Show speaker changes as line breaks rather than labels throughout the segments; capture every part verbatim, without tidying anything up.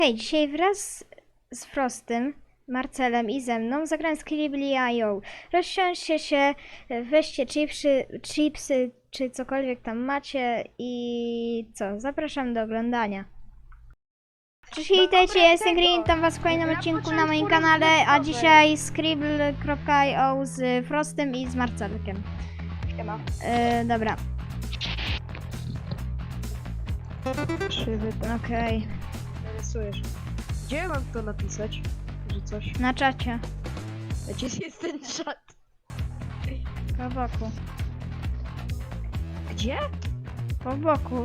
Hej, dzisiaj wraz z Frostym, Marcelem i ze mną zagrałem Skribbl kropka i o. Rozsiądźcie się, weźcie chipsy, chipsy czy cokolwiek tam macie i co? Zapraszam do oglądania. Cześć, witajcie, ja jestem Green, tam was w kolejnym odcinku na moim kanale, a dzisiaj Skribbl kropka i o z Frostem i z Marcelkiem.
Siema.
Yy, dobra.
Krzywy, tak.
Okej,
Narysujesz. Gdzie mam to napisać? Że coś?
na czacie,
A gdzie jest ten czat?
po boku,
Gdzie?
po boku.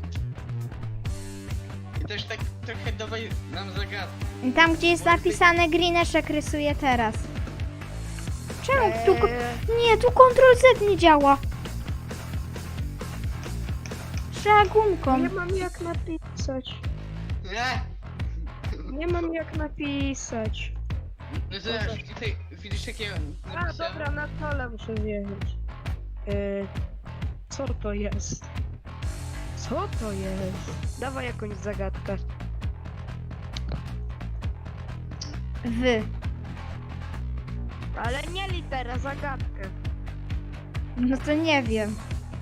I też tak trochę dawaj nam zagadkę.
I tam, gdzie jest napisane Greeneszek rysuje teraz. Czemu tu... ko-
Eee,
Nie, tu kontrol Z nie działa. Trzeba gumką.
nie mam jak napisać.
Nie!
Nie mam jak napisać.
No zobacz, tutaj widzisz jakie
A,
napisałem?
dobra, na dole muszę wjechać. Eee, co to jest? Co to jest? Dawaj jakąś zagadkę.
Wy.
Ale nie litera, zagadkę.
No to nie wiem.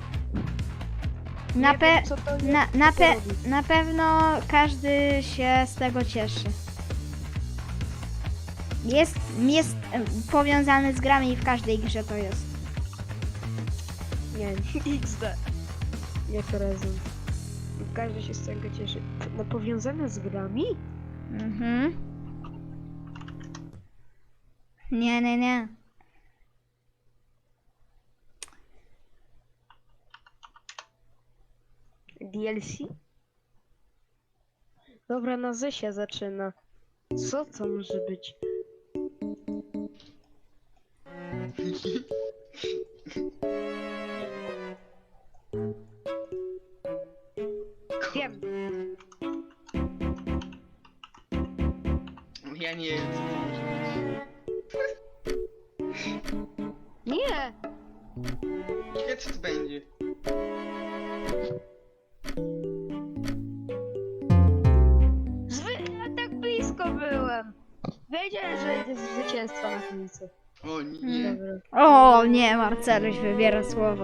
Nie
Na, pe...
wiem, co to jest,
na,
co
na,
to
pe...
robi.
na pewno każdy się z tego cieszy. Jest, jest em, powiązany z grami i w każdej grze to jest.
Nie, iks de. Nie prezent. Każdy się z tego cieszy. No powiązane z grami?
Mhm. Nie, nie, nie.
D L C? Dobra, na Z się zaczyna. Co to może być? Wiem.
Ja nie wiem co to może być.
Nie!
Ciekawe co to będzie.
Zwy... Ja tak blisko byłem. Wiedziałem, że jest zwycięstwo na końcu.
O nie.
Dobra.
O nie, Marceluś wybiera słowo.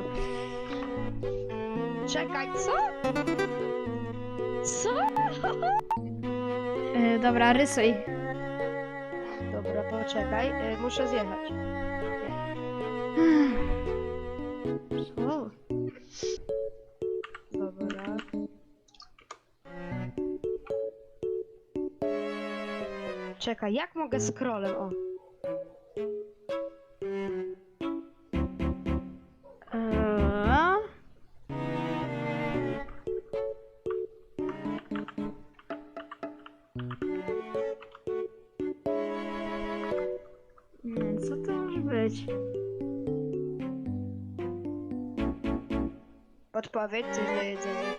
Czekaj, co? Co?
Yy, dobra, rysuj.
Dobra, poczekaj. Y, muszę zjechać.
O.
Dobra. Czekaj, jak mogę scrollem? O.
Eee. Hmm, co to może być?
Podpowiedź, coś do jedzenia.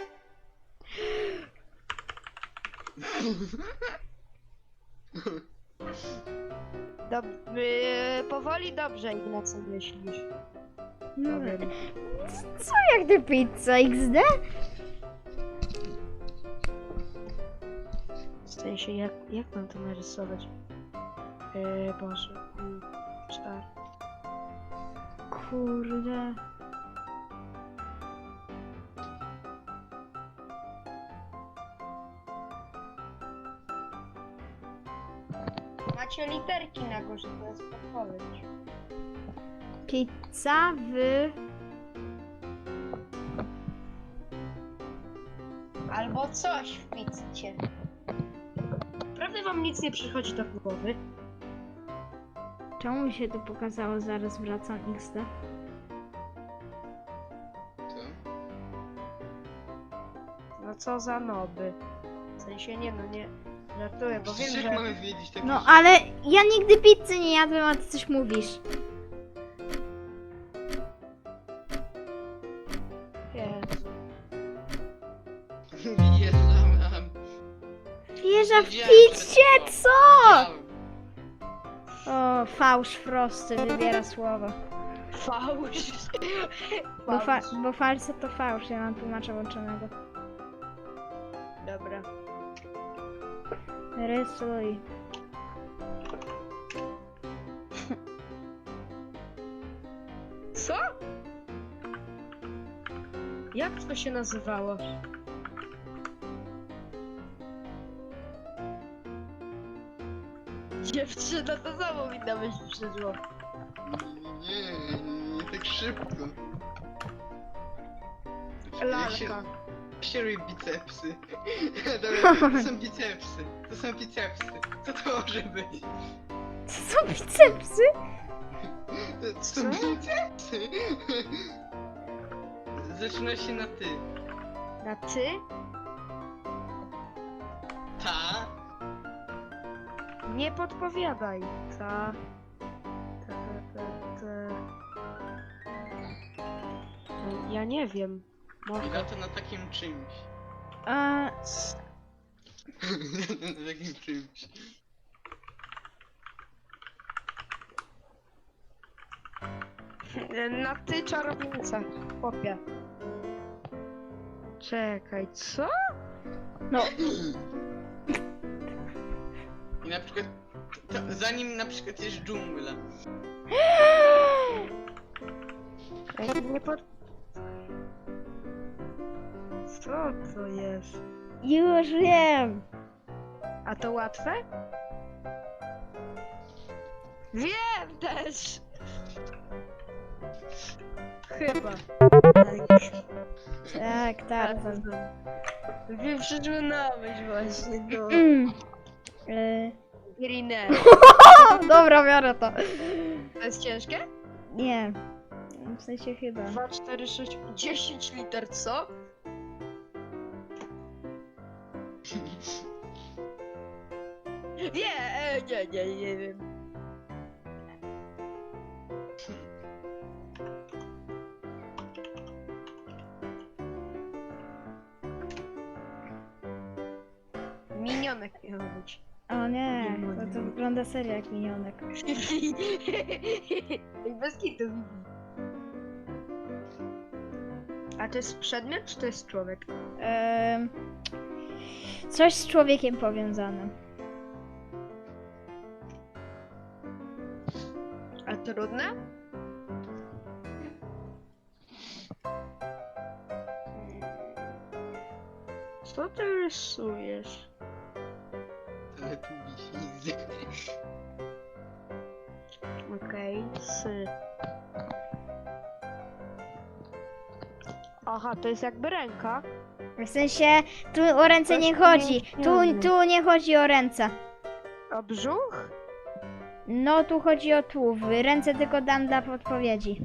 Dob y, powoli dobrze, Ignacy, myślisz.
No,
Powiem.
co jak ty pizza X D?
W sensie, jak, jak mam to narysować? Yy, Boże. Mm, czar.
Kurde.
Macie literki na górze, to jest podpowiedź.
Pizza w...
Albo coś w pizzie. Prawda wam nic nie przychodzi do głowy?
Czemu mi się to pokazało? Zaraz wracam X D.
Co?
No co za noby. W sensie nie no, nie żartuję, bo wiem,
Przecież jak
że...
mamy wiedzieć takie
No
rzeczy?
ale ja nigdy pizzy nie jadłem, a ty coś mówisz.
Jezu.
Wjeżdżam.
Wieża w
Wiedziałem, że
pizzie,
to-
co?
Wiedziałem.
O, fałsz Frosty wybiera słowo.
Fałsz.
Bo, fa
Fałsz.
bo falso to fałsz, ja mam tłumacza włączonego.
Dobra.
Rysuj.
Co? Jak to się nazywało? Dziewczyna, to samo mi na myśl przyszło.
Nie, nie, nie tak szybko. Jak się,
Lalka.
jak się robi bicepsy? Dobra, to są bicepsy. To są bicepsy. Co to może być?
To są bicepsy?
To są
Co?
bicepsy. Zaczyna się na ty.
Na ty?
Ta.
Nie podpowiadaj. Ta. Ta, ta, ta, ta. Ja nie wiem.
I
Może.
na to na takim czymś.
A,
Na takim czymś.
Na ty czarownica. Chłopie. Czekaj, co?
no,
I na przykład, to, zanim na przykład jest dżungla.
Ej, nie pod... Co to jest?
już wiem.
A to łatwe? Wiem też! Chyba.
Tak, Tarzan.
Wiem, przyszło na myśl właśnie, no.
Mm. Y,
Greener.
o, dobra, biorę to.
To jest ciężkie?
Nie. W sensie chyba.
dwa, cztery, sześć, dziesięć liter, co? Nie, e, nie, nie, nie wiem. Minionek miał być.
O nie, to, to wygląda serio jak minionek.
I bez kitu. A to jest przedmiot, czy to jest człowiek?
Em, coś z człowiekiem powiązane.
A trudne? Co ty rysujesz?
Ale tu wisi.
Okej, sy. Aha, to jest jakby ręka.
W sensie, tu o ręce nie chodzi. Tu, tu nie chodzi o ręce.
A brzuch?
No, tu chodzi o tułów. Ręce tylko dam dla podpowiedzi.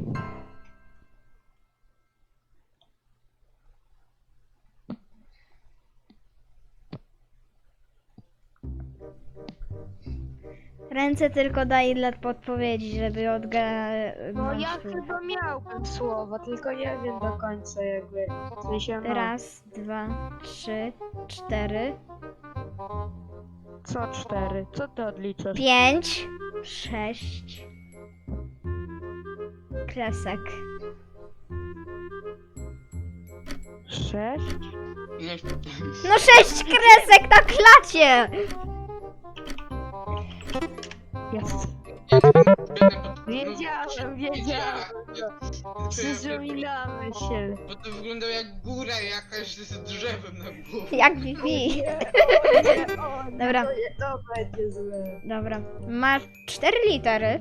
Ręce tylko daję dla podpowiedzi, żeby odgadnąć.
No ja
tułów.
chyba miałbym słowo, tylko nie wiem do końca jakby. W sensie no.
Raz, dwa, trzy, cztery,
Co cztery? Co ty odliczasz?
pięć, sześć. Kresek.
Sześć?
No sześć kresek na klacie!
Jest. Wiedziałem, wiedziałem. Przyszło mi na myśl.
Bo to wygląda jak góra jakaś z drzewem na głowie.
Jak Bibi.
O, nie,
Dobra.
To, nie, to będzie złe.
Dobra. Masz cztery litery.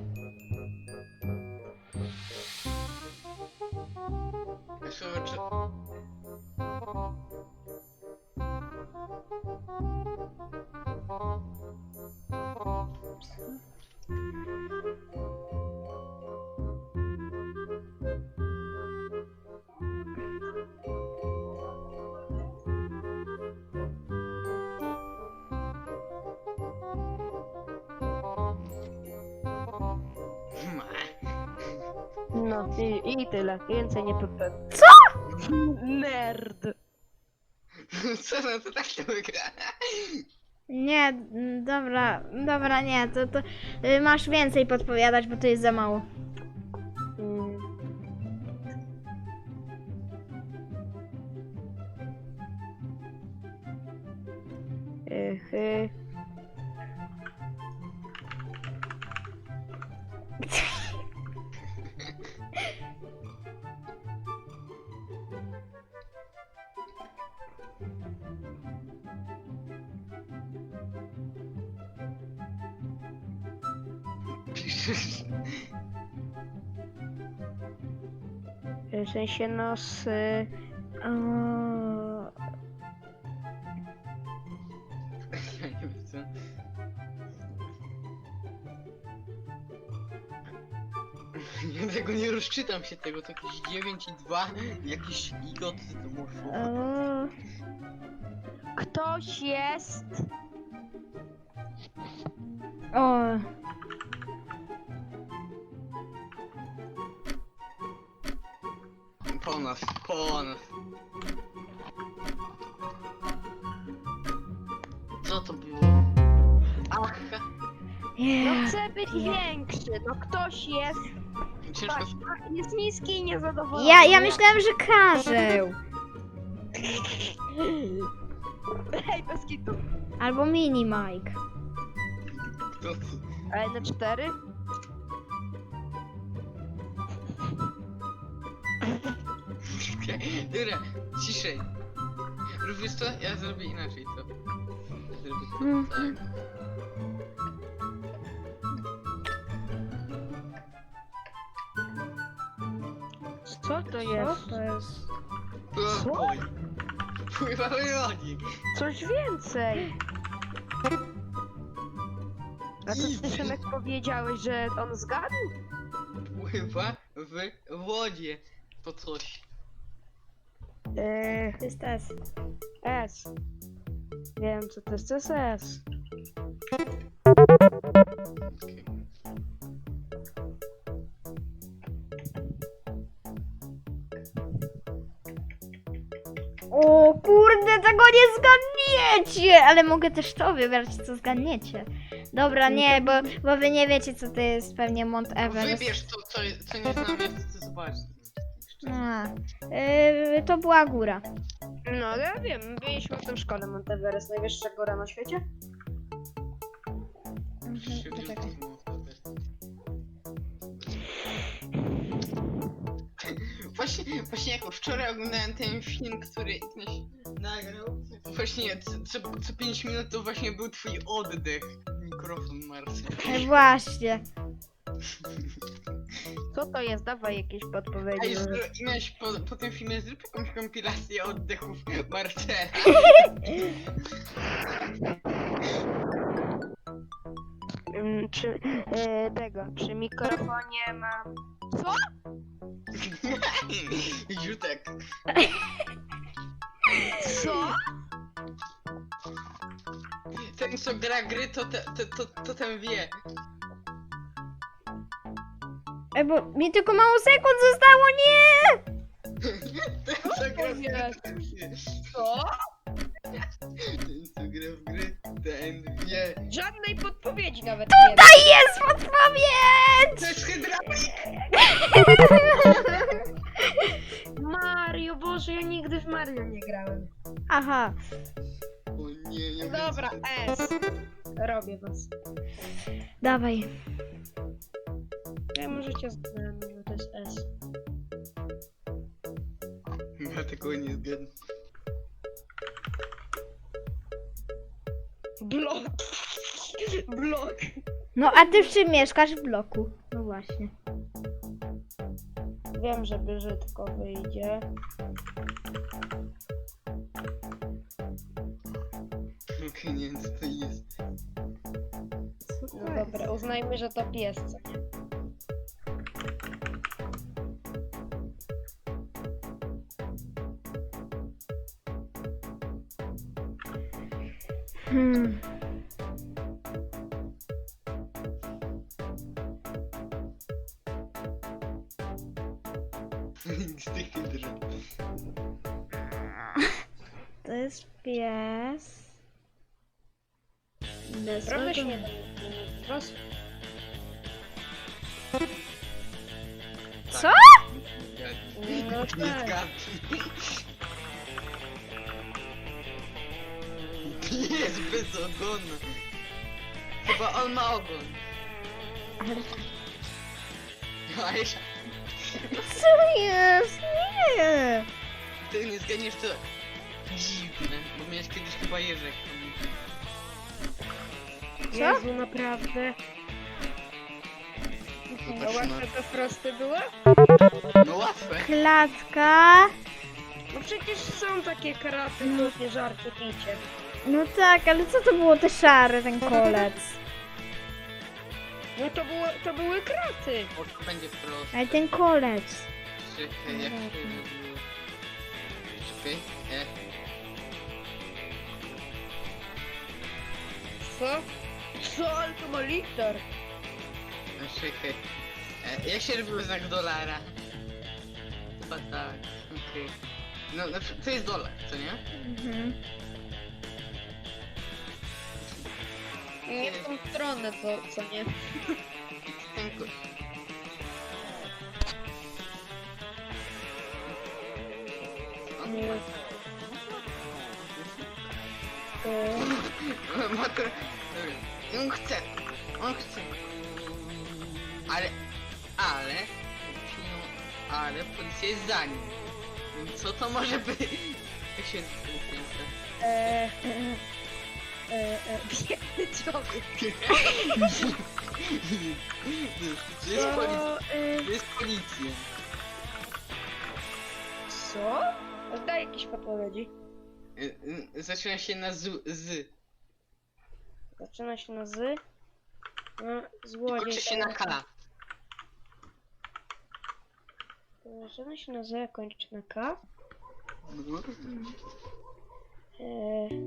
Słowo czy...
No i, i tyle. Więcej nie powiem.
Co?
Nerd.
Co no to tak to wygra?
Nie, mm, dobra, dobra, nie, to, to y, masz więcej podpowiadać, bo to jest za mało.
Mm. Yy, yy.
Piszesz.
W sensie no z... y,
O,
Ja nie wiem co. Ja tego nie rozczytam się tego, to jakieś dziewięć i dwa, jakieś igoty to może.
o,
Ktoś jest...
o.
Po nas, po nas. Co to było? Ach,
No
Yeah.
chcę być większy, no ktoś jest...
ciężko.
Patrz, a, jest niski i niezadowolony.
Ja, ja myślałem, że Karzeł.
Hej, bez kitu.
Albo Mini Mike.
Kto to?
Ale na cztery?
Dobra, ciszej. Robisz to? Ja zrobię inaczej to. Zrobię to
Mhm.
tak.
Co to jest?
to jest?
Pływaj. Pływały lodzi.
Coś więcej. A to ty, Szymek, powiedziałeś, że on zgadł?
Pływa w wodzie. To coś.
Eee,
To jest S.
S. Wiem, co to jest, to jest S.
Okej.
O kurde, tego nie zgadniecie! Ale mogę też to wybrać, co zgadniecie. Dobra, nie, bo, bo wy nie wiecie, co to jest pewnie Mount Everest.
Wybierz to, co, co nie znam, ja chcę zobaczyć.
A, yy, to była góra.
No, ja wiem, byliśmy w tym szkole Mount Everest, najwyższa góra na świecie.
Się
Mhm, poczekaj.
Właśnie, właśnie jako wczoraj oglądałem ten film, który ktoś nagrał. Właśnie co, co, co pięć minut to właśnie był twój oddech. Mikrofon Marcel.
E, Właśnie.
Co to jest? Dawaj jakieś podpowiedzi.
Ej, zro- i miałeś po, po tym filmie zrób jakąś kompilację oddechów Marcela.
Mm, Czy e, tego, przy mikrofonie mam... Co?
Jutek.
Co?
Ten co gra gry to, te, to, to, to ten wie.
E, bo mi tylko mało sekund zostało, nie!
Ten co gra w gry
jest?
ten wie.
Co?
Ten co gra w gry ten wie.
Żadnej podpowiedzi nawet nie ma.
Tutaj jest podpowiedź!
To jest hydraulik!
Mario, Boże, ja nigdy w Mario nie grałem.
Aha.
O nie, nie
Dobra,
wiem,
S. Robię was.
Dawaj.
Ja możecie znać, że to jest S.
co- Ja tego nie zgadnę.
Blok. Blok.
No a ty w czym mieszkasz? W bloku. No właśnie.
Wiem, że brzydko wyjdzie.
Okej, nie wiem co to jest.
Co to
No
jest?
dobra, uznajmy, że to pies, co nie?
Hmm.
Z tych hydra.
To jest pies. Bez
Trochę się
ogon-
nie da. Roz...
Co?
No
Nie
tak.
zgadnij. Jest bez ogonu. Chyba on ma ogon.
Ale...
A jeśli
Co jest? Nie!
ty nie zgadniesz, to dziwne, bo miałeś kiedyś chyba jeżek.
Co?
Jezu, naprawdę. A
Zobaczmy.
łatwe te frosty były?
No łatwe.
Klatka.
No przecież są takie kraty, głupie żarty, picie.
No tak, ale co to było te szare, ten kolec?
No to, było, to były kraty.
Bo to będzie proste.
Ale ten kolec.
Czekaj, jak to było? Czekaj, e.
Co? Co? Ale to ma liter.
No czekaj. E, jak się robił znak dolara? Chyba tak, okej. No, no, to jest dolar, co nie?
Mhm.
Nie w tą stronę, to co nie?
Ten ko-
Nie.
Makro... Dobra. On chce. On chce. Ale... Ale... Ale policja jest za nim. Więc co to może być? Jak się nazywa?
Eee, eee, eee, biedny człowiek.
To jest policja.
To, eee,
To jest policja.
co? Daj jakieś podpowiedzi.
Y, y, Zaczyna się na z. z.
Zaczyna się na z. No,
I
złodziej.
kończy się na K.
Zaczyna się na z, a kończy na k.
No.
Eee,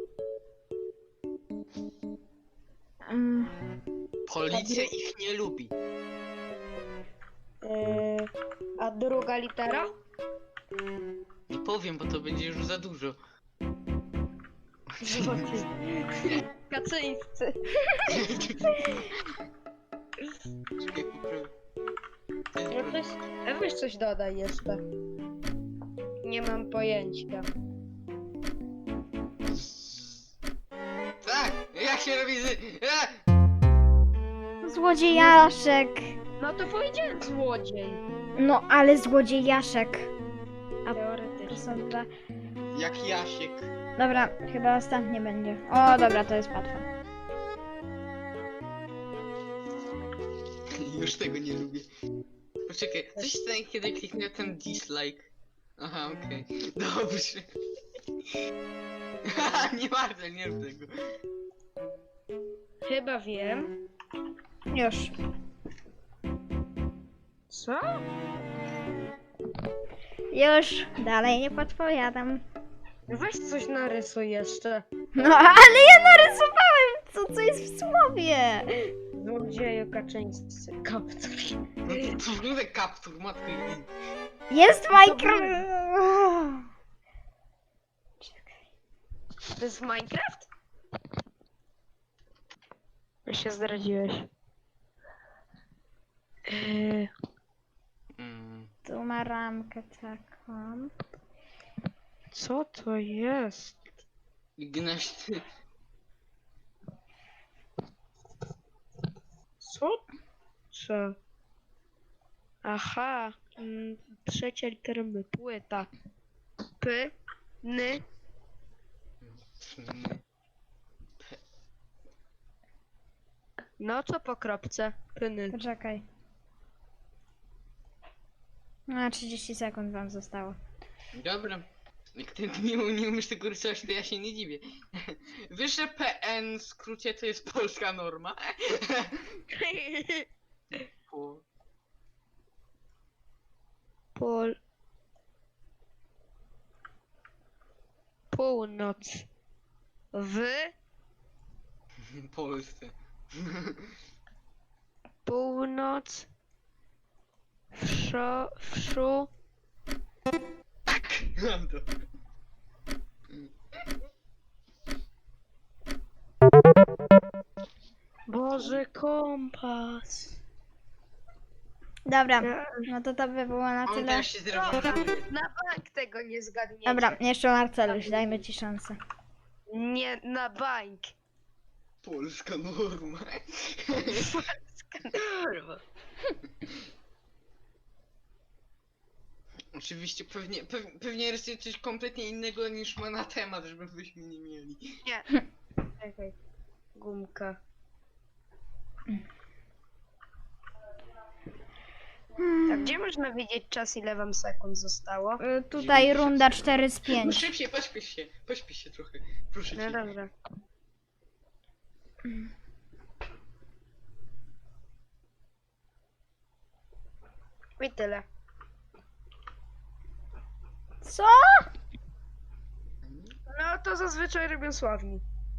Mm.
Policja ich nie lubi.
eee, a druga litera?
Nie powiem, bo to będzie już za dużo.
Złodziej. Kaczyńscy.
Czekaj, poprawię. To jest
No weź, a weź coś dodaj jeszcze. Nie mam pojęcia.
Tak! Jak się robi z... A!
Złodziejaszek.
No to powiedziałem złodziej.
No, ale złodziejaszek. A to
Teoretycznie.
są dwa.
Jak Jasiek.
Dobra, chyba ostatnie będzie. O, dobra, to jest łatwe.
Już tego nie lubię. Poczekaj, coś stanie, kiedy kliknę ten dislike. Aha, okej. Dobrze. Haha, nie warto, nie rób tego.
Chyba wiem.
Już.
Co?
Już. Dalej nie podpowiadam.
Weź coś narysuj jeszcze.
No, ale ja narysowałem co, co jest w słowie.
Złodzieju Kaczyńscy. Kaptur.
No to, to wygląda jak kaptur, matko jedynie.
Jest Minecraft.
To jest Minecraft? Ja się zdradziłeś. Eee,
Mm.
Tu ma ramkę taką.
co to jest?
Gnaś ty.
Co? Co? Aha. Mm, trzecia litera my. Płyta. P. N. No co po kropce? Pyny.
Poczekaj. A, trzydzieści sekund wam zostało.
Dobra. Jak ty nie, nie umiesz tego rysować, to ja się nie dziwię. Wiesz, że P N w skrócie to jest polska norma? Po...
Pol... Północ. W.
Polsce.
Północ. Wszo... Wszu...
Tak! Mam to.
Boże, kompas.
Dobra, no to to by było na
On
tyle.
teraz się zrewanżuje.
Na bank tego nie zgadniecie.
Dobra, jeszcze Marceluś, dajmy ci szansę.
Nie, na bank.
Polska norma. Oczywiście, pewnie, pew, pewnie rysuje coś kompletnie innego niż ma na temat, żebyśmy nie mieli.
Nie. Czekaj. Gumka. A gdzie można widzieć czas, ile wam sekund zostało?
Y, Tutaj runda cztery z
No
pięć.
szybciej, pośpiesz się, pośpiesz się trochę. Proszę
No
cię.
dobra. I tyle.
Co?
No to zazwyczaj robią sławni.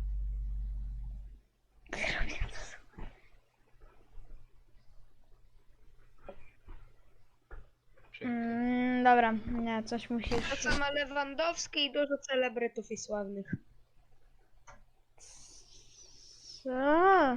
Mm, dobra, nie, coś musisz...
To co ma Lewandowski i dużo celebrytów i sławnych.
Co?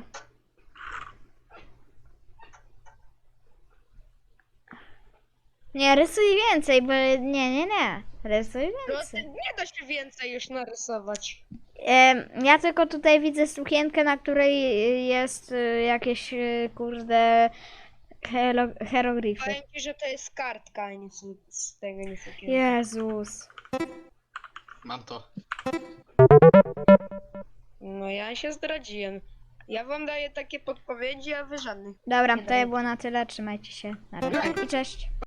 Nie, rysuj więcej, bo nie, nie, nie. Rysuj
No ty,
więcej.
nie da się więcej już narysować.
Em, ja tylko tutaj widzę sukienkę, na której jest y, jakieś, y, kurde, hero- hieroglify.
Powiem ci, że to jest kartka, a nie su- z tego nie sukienka.
Jezus.
Mam to.
No ja się zdradziłem. Ja wam daję takie podpowiedzi, a wy żadnych.
Dobra,
Nie
to
daję.
było na tyle. Trzymajcie się. Na razie i cześć.